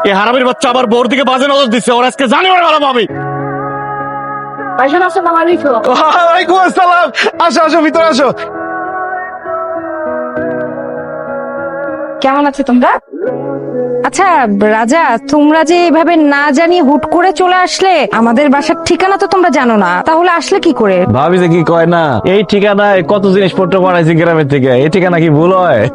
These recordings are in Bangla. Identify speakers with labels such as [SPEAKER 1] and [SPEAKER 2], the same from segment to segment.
[SPEAKER 1] এই হারামির বাচ্চা আবার বোর দিকে বাজে নজর দিচ্ছে, ওর আজকে জানি ওর ভালো পাবে। ওয়ালাইকুম আসসালাম, আসো আসো ভিতরে আসো।
[SPEAKER 2] কেমন আছো তোমরা? আচ্ছা রাজা, তোমরা যে এভাবে না জানিয়ে হুট করে চলে আসলে, আমাদের বাসার ঠিকানা তো তোমরা জানো না, তাহলে আসলে কি করে?
[SPEAKER 1] ভাবি যে কি কয় না, এই ঠিকানায় কত জিনিসপত্র বানাইছি গ্রামের থেকে, এই ঠিকানা কি ভুল হয়?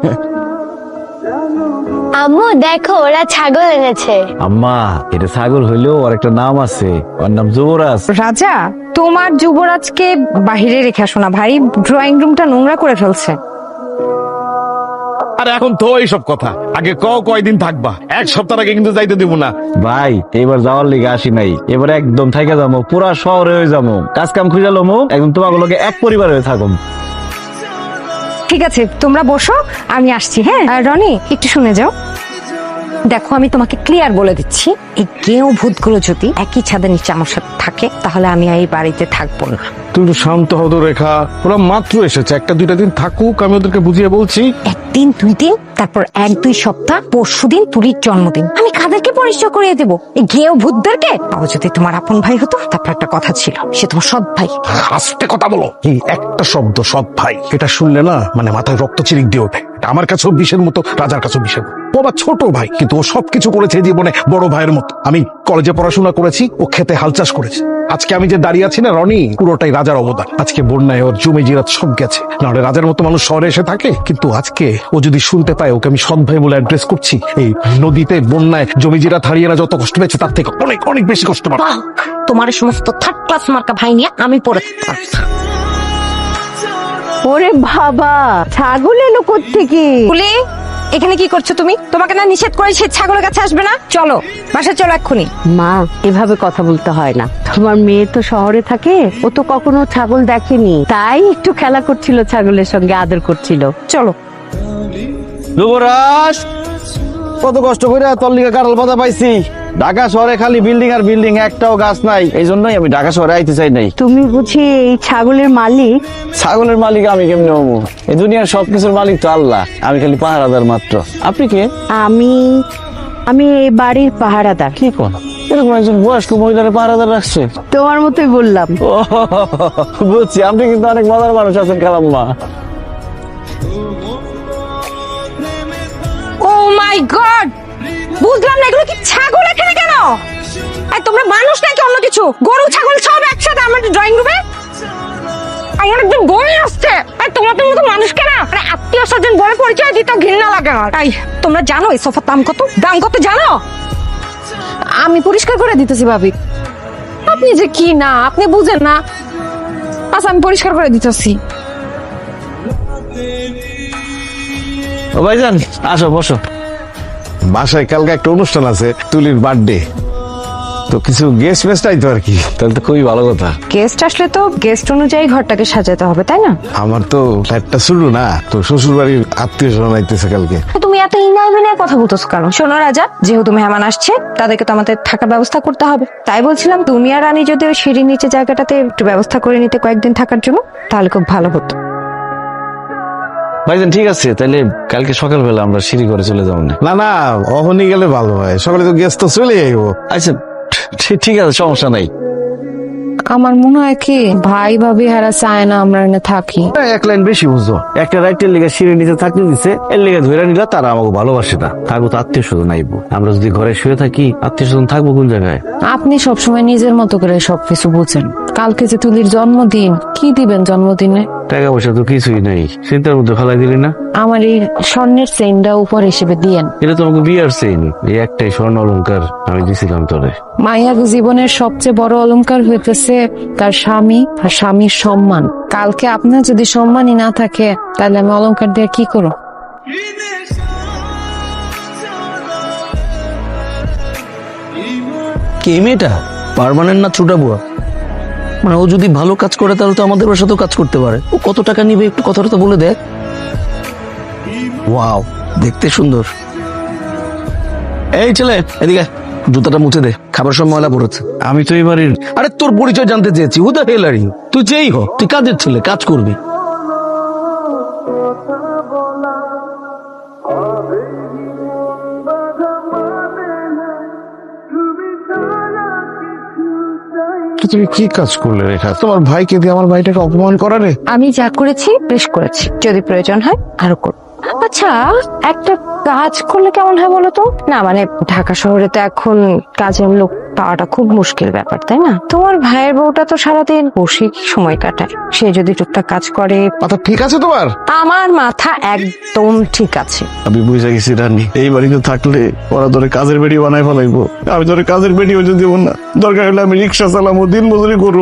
[SPEAKER 3] আম্মু দেখো ওরা ছাগল এনেছে।
[SPEAKER 1] আম্মা, এটা ছাগল হইলেও ওর একটা নাম আছে, ওর নাম যুবরাজ।
[SPEAKER 2] রাজা, তোমার যুবরাজকে বাহিরে রেখে আসো না ভাই, ড্রয়িং রুমটা নোংরা করে ফেলছে।
[SPEAKER 1] আরে এখন তো এইসব কথা, আগে কয়দিন থাকবা, এক সপ্তাহ আগে কিন্তু যাইতে দিব না। ভাই এবার যাওয়ার লিগে আসি নাই, এবার একদম থাইকা যাবো, পুরা শহরে হয়ে যাবো, কাজ কাম খুঁজে লমু, একদম তোমাগুলোকে এক পরিবার হয়ে থাকুম।
[SPEAKER 2] ঠিক আছে, তোমরা বসো, আমি আসছি। হ্যাঁ আর রনি, একটু শুনে যাও। দেখো আমি তোমাকে ক্লিয়ার বলে দিচ্ছি, এই গেঁয়ো ভূতগুলো যদি একই ছাদের নিচে আমার সাথে থাকে, তাহলে আমি এই বাড়িতে থাকবো না।
[SPEAKER 1] তুই একটু শান্ত হতো রেখা, ওরা মাত্র এসেছে, একটা দুইটা দিন থাকুক, আমি ওদেরকে বুঝিয়ে বলছি।
[SPEAKER 2] একদিন, 2 দিন, তারপর 1-2 সপ্তাহ, পরশুদিন তুলির জন্মদিন, আমি কাদেরকে পরিচয় করিয়ে দেবো? এই গেঁয়ো ভূতদেরকে। ও যদি তোমার আপন ভাই হতো, তারপর একটা কথা ছিল, সে তোমার সৎ ভাই।
[SPEAKER 4] আস্তে কথা বলো। কি একটা শব্দ সৎ ভাই, এটা শুনলে না মানে মাথায় রক্ত চিরিক দিয়ে ওঠে। এটা আমার কাছেও বিষের মতো, রাজার কাছেও বিষের মতো। ও আমার ছোট ভাই, কিন্তু ও সবকিছু করেছে জীবনে বড় ভাইয়ের মতো। আমি কলেজে পড়াশোনা করেছি, ও খেতে হাল চাষ করেছে। আজকে আমি যে দাঁড়িয়ে আছি না রনি, পুরোটাই রাজার অবদান। আজকে বন্যায় ওর জমি জিরাত সব গেছে, নাহলে রাজার মতো মানুষ শহরে এসে থাকে। কিন্তু আজকে ও যদি শুনতে পায় ওকে আমি সৎ ভাই বলে অ্যাড্রেস করছি, এই নদীতে বন্যায় জমি জিরাত হারিয়ে না যত কষ্ট পেয়েছে, তার থেকে অনেক অনেক বেশি কষ্ট পাবে।
[SPEAKER 2] বাহ, তোমার এই সমস্ত থার্ড ক্লাস মার্কা ভাই নিয়ে আমি পড়ে থাকতাম।
[SPEAKER 5] ওরে বাবা, ছাগল এলো কোত্থেকে?
[SPEAKER 2] তুলি, এখানে কি করছো তুমি? তোমাকে না নিষেধ করেছি ছাগলের কাছে আসবে না? চলো বাসায় চলো এক্ষুনি।
[SPEAKER 5] মা, এভাবে কথা বলতে হয় না। তোমার মেয়ে তো শহরে থাকে, ও তো কখনো ছাগল দেখেনি, তাই একটু খেলা করছিল, ছাগলের সঙ্গে আদর করছিল।
[SPEAKER 2] চলো।
[SPEAKER 1] যুবরাজ, কত কষ্ট করে তোর লিগে কাঁঠাল পাতা পাইছি। ঢাকা শহরে খালি বিল্ডিং আর বিল্ডিং, একটাও গাছ নাই, এই জন্যই আমি ঢাকা শহরে আইতে চাই নাই।
[SPEAKER 5] তুমি বুঝি এই ছাগলের মালিক?
[SPEAKER 1] ছাগলের মালিক আমি কেমনে হবো? এই দুনিয়ার সবকিছুর মালিক তো আল্লাহ, আমি খালি পাহারাদার মাত্র। আপনি কে?
[SPEAKER 5] আমি আমি এই বাড়ির পাহারাদার।
[SPEAKER 1] কি কোন এরকম একজন বয়স্ক মহিলার পাহারাদার রাখছে?
[SPEAKER 5] তোমার মতোই বললাম।
[SPEAKER 1] ও বুঝছি, আপনি কিন্তু অনেক মজার মানুষ আছেন খালাম্মা।
[SPEAKER 2] ও মাই গড, বুঝলাম না, এগুলো কি ছাগল এখানে কেন? আর তোমরা মানুষ নাকি অন্য কিছু? গরু ছাগল সব একসাথে আমার ড্রয়িং রুমে? আমার একজন বই আসছে, আর তোমাদের মতো মানুষ কেন? আরে আত্মীয় স্বজন বলে পরিচয় দিতে ঘৃণা লাগে আমার। তাই তোমরা জানো এই সোফার দাম কত? দাম কত জানো? আমি পরিষ্কার করে দিতেছি ভাবি। আপনি যে কি না, আপনি বুঝেন না। আচ্ছা আমি পরিষ্কার করে দিতেছি।
[SPEAKER 1] ও ভাইজান, আসো বসো। বাসায় কালকে একটা অনুষ্ঠান আছে, তুলির বার্থডে, তো কিছু গেস্ট ফেস্ট আইতো আর কি। তাহলে তো খুবই ভালো কথা।
[SPEAKER 2] গেস্ট আসলে তো গেস্ট অনুযায়ী ঘরটাকে সাজাতে হবে, তাই না?
[SPEAKER 1] আমার তো ফ্ল্যাটটা শুরু না, তো শ্বশুর বাড়ির আত্মীয় স্বজন আইতেছে কালকে।
[SPEAKER 2] তুমি এত ইনায় বিনায় কথা বলতেছো কেন? শোনো রাজা, যেহেতু মেহমান আসছে, তাদেরকে তো আমাদের থাকার ব্যবস্থা করতে হবে। তাই বলছিলাম তুমি আর রানী যদি ওই সিঁড়ির নিচে জায়গাটাতে একটু ব্যবস্থা করে নিতে কয়েকদিন থাকার জন্য, তাহলে খুব ভালো হতো।
[SPEAKER 6] ভাইজান ঠিক আছে, তাহলে কালকে সকালবেলা আমরা সিঁড়ি করে চলে যাবো না?
[SPEAKER 1] না না, অহনি গেলে ভালো হয়, সকালে তো গেস্ট তো চলে আইবো।
[SPEAKER 6] আচ্ছা ঠিক আছে, সমস্যা নাই।
[SPEAKER 2] আমার মনে হয় কি ভাই ভাবি হারা চায় না আমরা এনে থাকি।
[SPEAKER 6] এক লাইন বেশি বুঝছো, একটা রাইটের লেগে সিঁড়ির নিচে থাকতে দিচ্ছে, এর লেগে ধরে নিলা, তারা আমাকে ভালোবাসে না। থাকবো তো আত্মীয় স্বজন আইবো, আমরা যদি ঘরে শুয়ে থাকি আত্মীয় স্বজন থাকবো কোন জায়গায়?
[SPEAKER 7] আপনি সবসময় নিজের মতো করে সবকিছু বুঝেন। কালকে যে তুলির জন্মদিন, কি দিবেন জন্মদিনে?
[SPEAKER 6] টাকা পয়সা তো কিছুই নাই, চিন্তার মধ্যে ফেলাই দিলি না।
[SPEAKER 7] আমার এই স্বর্ণের চেইনটা উপর হিসেবে দিয়েন।
[SPEAKER 6] এটা তো আমাকে বিয়ার চেইন, এই একটাই স্বর্ণ অলংকার আমি দিছিলাম তোরে।
[SPEAKER 7] মাইয়ার জীবনের সবচেয়ে বড় অলংকার হইতেছে তার স্বামী আর স্বামীর সম্মান। কালকে আপনার যদি সম্মানই না থাকে, তাহলে আমি অলংকার দিয়ে কি করব?
[SPEAKER 8] কে মেয়েটা? পার্মানেন্ট না ছোটা বুয়া? মানে ও যদি ভালো কাজ করে তাহলে তো আমাদের বাসাতেও কাজ করতে পারে। ও কত টাকা নিবে একটু কথাটা তো বলে দেখ। ওয়াও, দেখতে সুন্দর। এই ছেলে এদিকে, জুতাটা মুছে দে, খাবার সময় ময়লা পড়েছে।
[SPEAKER 6] আমি তো এবারের।
[SPEAKER 8] আরে তোর পরিচয় জানতে চেয়েছি, who the hell are you? তুই যেই হ, তুই কাজের ছেলে, কাজ করবি।
[SPEAKER 4] তুমি কি কাজ করলে রেখা? তোমার ভাইকে দিয়ে আমার ভাইটাকে অপমান করালে।
[SPEAKER 2] আমি যা করেছি বেশ করেছি, যদি প্রয়োজন হয় আরো করব। আচ্ছা, একটা কাজ করলে কেমন হয় বলো তো? না মানে ঢাকা শহরে তো এখন কাজের লোক পাওয়াটা খুব মুশকিল ব্যাপার, তাই না? তোমার ভাইয়ের বউটা তো সারাদিন বসে সময় কাটায়, সে যদি টুকটাক কাজ করে।
[SPEAKER 4] মাথা ঠিক আছে তোমার?
[SPEAKER 2] আমার মাথা একদম ঠিক আছে।
[SPEAKER 6] আমি বুঝে গেছি রানী, এই বাড়িতে থাকলে ওরা ধরে কাজের বেড়ি বানাই ফেলাইবো। আমি ধরে কাজের বেড়ি হয়ে দিব না, দরকার হলে আমি রিক্সা চালামো, দিন মজুরি করুম।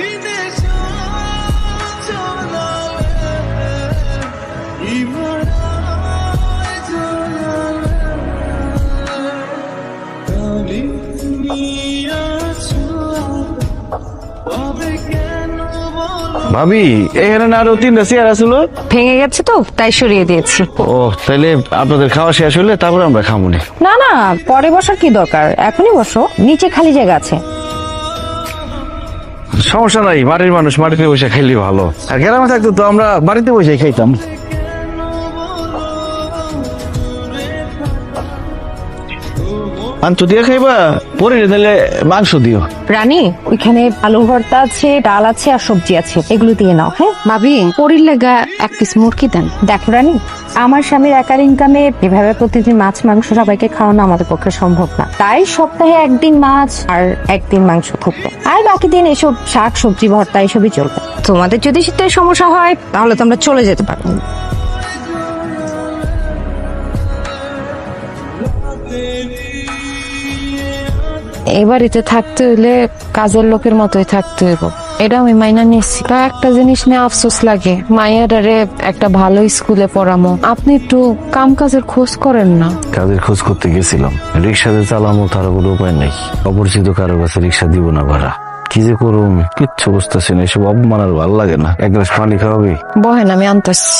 [SPEAKER 6] ভাবি, এখানে না আরো 3টা চেয়ার আসলো।
[SPEAKER 2] ভেঙে গেছে তো তাই সরিয়ে দিয়েছি।
[SPEAKER 6] ও, তাইলে আপনাদের খাওয়া শেষ হলে তারপরে আমরা খামুনি।
[SPEAKER 2] না না, পরে বসার কি দরকার, এখনই বসো, নিচে খালি জায়গা আছে।
[SPEAKER 6] সমস্যা নাই, বাড়ির মানুষ মাটিতে বসে খাইলে ভালো। আর গ্রামে থাকতো তো আমরা বাড়িতে বসে খাইতাম। মাংস দিয়ে খাইবা? পরে দিলে মাংস দিও।
[SPEAKER 2] রানী, ওইখানে আলু ভর্তা আছে, ডাল আছে আর সবজি আছে, এগুলো দিয়ে নাও। হ্যাঁ ভাবি, পরির লেগা এক পিস মুরগি দেন। দেখো রানী, আমার স্বামীর একার ইনকামে এভাবে প্রতিদিন মাছ মাংস সবাইকে খাওয়ানো আমাদের পক্ষে সম্ভব না, তাই সপ্তাহে একদিন মাছ আর একদিন মাংস থাকবে, আর বাকি দিন এসব শাক সবজি ভর্তা এসবই চলবে। তোমাদের যদি শীতের সমস্যা হয় তাহলে তোমরা চলে যেতে পারো।
[SPEAKER 7] এই বাড়িতে থাকতে হইলে কাজের লোকের মতোই থাকতে হইব, এটা আমি মাইনা নিচ্ছি। তা একটা জিনিস নিয়ে আফসোস লাগে, মায়েরারে একটা ভালো স্কুলে পড়ামো, আপনি একটু কাম কাজের খোঁজ করেন না।
[SPEAKER 6] কাজের খোঁজ করতে গেছিলাম, রিক্সাতে চালামো তার কোনো উপায় নাই। অপরিচিত কারো কাছে রিক্সা দিব না ভাড়া। কি যে করুম কিচ্ছু বুঝতেছি না, এসব অপমান আর ভালো লাগে না। এক গ্লাস পানি খাওয়াবি?
[SPEAKER 7] বহেন, আমি আনতেছি।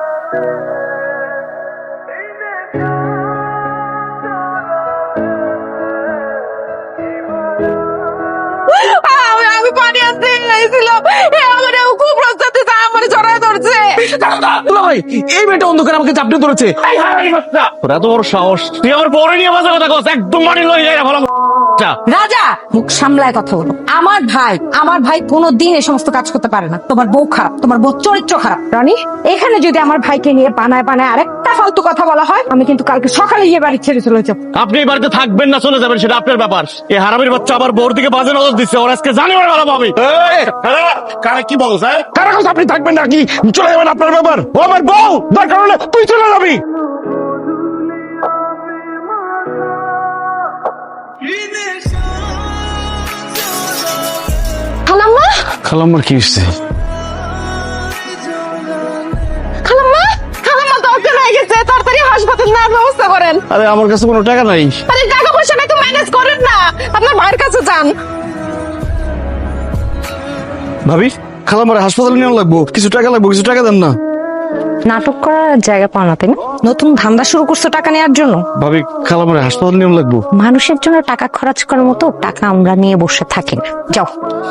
[SPEAKER 2] আমি পানি আনতে গেছিলাম, আমার খুব প্রস্তাব আমার জড়ায় ধরছে।
[SPEAKER 8] ভাই, এই মেয়েটা অন্ধকার আমাকে চাপড়ে ধরেছে।
[SPEAKER 1] তোর এত বড় সাহস, তুই আমার পরে নিয়ে বাজার কথা কস, একদম মাটি লই যায় ভালো।
[SPEAKER 2] রাজা, মুখ সামলায় কথা বলো। আমার ভাই কোনোদিন এই সমস্ত কাজ করতে পারে না। তোমার বউ খারাপ, তোমার বউ চরিত্র খারাপ। রানী, এখানে যদি আমার ভাইকে নিয়ে বানায় আরেকটা ফালতু কথা বলা হয়, আমি কিন্তু কালকে সকালে গিয়ে বাড়ি ছেড়ে চলে যাবো।
[SPEAKER 1] আপনি এই বাড়িতে থাকবেন না চলে যাবেন সেটা আপনার ব্যাপার। এই হারামির বাচ্চা আবার বউর দিকে বাজে নজর দিচ্ছে, ওর আজকে জানি ওরা ভালো পাবে।
[SPEAKER 4] কারা কি বল স্যার? কারা কথা আপনি থাকবেন নাকি চলে যাবেন? আপনার ব্যাপার। ও আমার বউ, দরকার হলে তুই চলে যাবি।
[SPEAKER 2] খালাম্মা,
[SPEAKER 6] খালাম্মার কি হচ্ছে?
[SPEAKER 2] খালাম্মা, খালাম্মা তো অজ্ঞান হয়ে গেছে, তাড়াতাড়ি হাসপাতাল নেওয়ার ব্যবস্থা করেন।
[SPEAKER 6] আরে আমার কাছে কোনো টাকা নাই।
[SPEAKER 2] আরে টাকা পয়সা নাই তো ম্যানেজ করেন না, আপনার ভাইয়ের কাছে যান।
[SPEAKER 6] ভাবি, খালাম্মার হাসপাতালে নিয়ে লাগবো, কিছু টাকা লাগবো, কিছু টাকা দেন না।
[SPEAKER 2] নাটক করার জায়গা পাও না, তাই না? নতুন ধান্দা শুরু করছো টাকা নেওয়ার জন্য।
[SPEAKER 6] ভাবি, খালাম্মার হাসপাতালে নিয়ে লাগবো।
[SPEAKER 2] মানুষের জন্য টাকা খরচ করার মতো টাকা আমরা নিয়ে বসে থাকি না। যাও।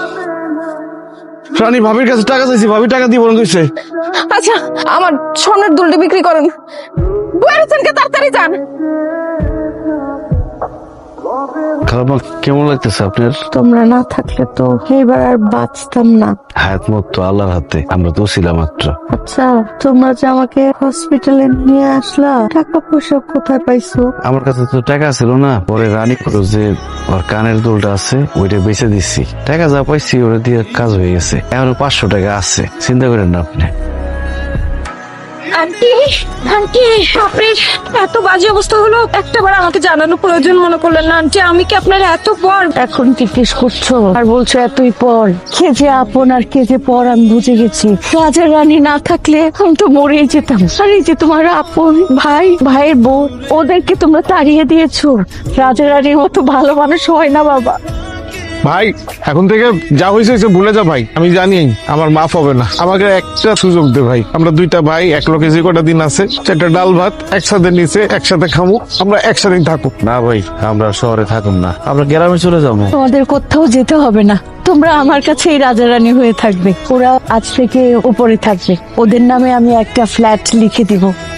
[SPEAKER 6] রানী, ভাবির কাছে টাকা চাইছি, ভাবি টাকা দিব না কইছে।
[SPEAKER 2] আচ্ছা, আমার স্বর্ণের দুলটি বিক্রি করেন। বুয়ারিসনকে তাড়াতাড়ি যান।
[SPEAKER 6] খালাম্মা, কেমন লাগতেছে আপনার?
[SPEAKER 5] তোমরা না থাকলে তো এবার আর বাঁচতাম না।
[SPEAKER 6] হায়াত মত তো আল্লাহর হাতে, আমরা তো ছিলাম মাত্র।
[SPEAKER 5] আচ্ছা, তোমরা যে আমাকে হসপিটালে নিয়ে আসলা, টাকা পয়সা কোথায় পাইছো?
[SPEAKER 6] আমার কাছে তো টাকা ছিল না, পরে রানী করো যে ওর কানের দুলটা আছে ওইটা বেঁচে দিচ্ছি, টাকা যা পাইছি ওটা দিয়ে কাজ হয়ে গেছে। এখন 500 টাকা আছে, চিন্তা করেন না আপনি।
[SPEAKER 2] আন্টি, আন্টি, আপনি এত বাজে অবস্থা হলো, একটাবার আমাকে জানানো প্রয়োজন মনে করলেন না আন্টি? আমি কি আপনার এত পর?
[SPEAKER 5] এখন জিজ্ঞেস করছো আর বলছো এতই পর? কে যে আপন আর কে যে পর আমি বুঝে গেছি। রাজা রানী না থাকলে আমি তো মরেই যেতাম। আর এই যে তোমার আপন ভাই, ভাইয়ের বউ, ওদেরকে তোমরা তাড়িয়ে দিয়েছো। রাজা রানীর মতো ভালো মানুষ হয় না বাবা।
[SPEAKER 4] ভাই, এখন থেকে যা হয়েছে ভুলে যা ভাই। আমি জানি আমার মাফ হবে না, আমাকে একটা সুযোগ দে ভাই। আমরা দুইটা ভাই, এক লোকে যে কটা দিন আছে, একটা ডাল ভাত একসাথে নিচে একসাথে খামু, আমরা একসাথেই থাকবো।
[SPEAKER 6] না ভাই, আমরা শহরে থাকুন না, আমরা গ্রামে চলে যাবো।
[SPEAKER 5] তোমাদের কোথাও যেতে হবে না, তোমরা আমার কাছেই রাজা রানী হয়ে থাকবে। ওরা আজ থেকে উপরে থাকবে, ওদের নামে আমি একটা ফ্ল্যাট লিখে দিব।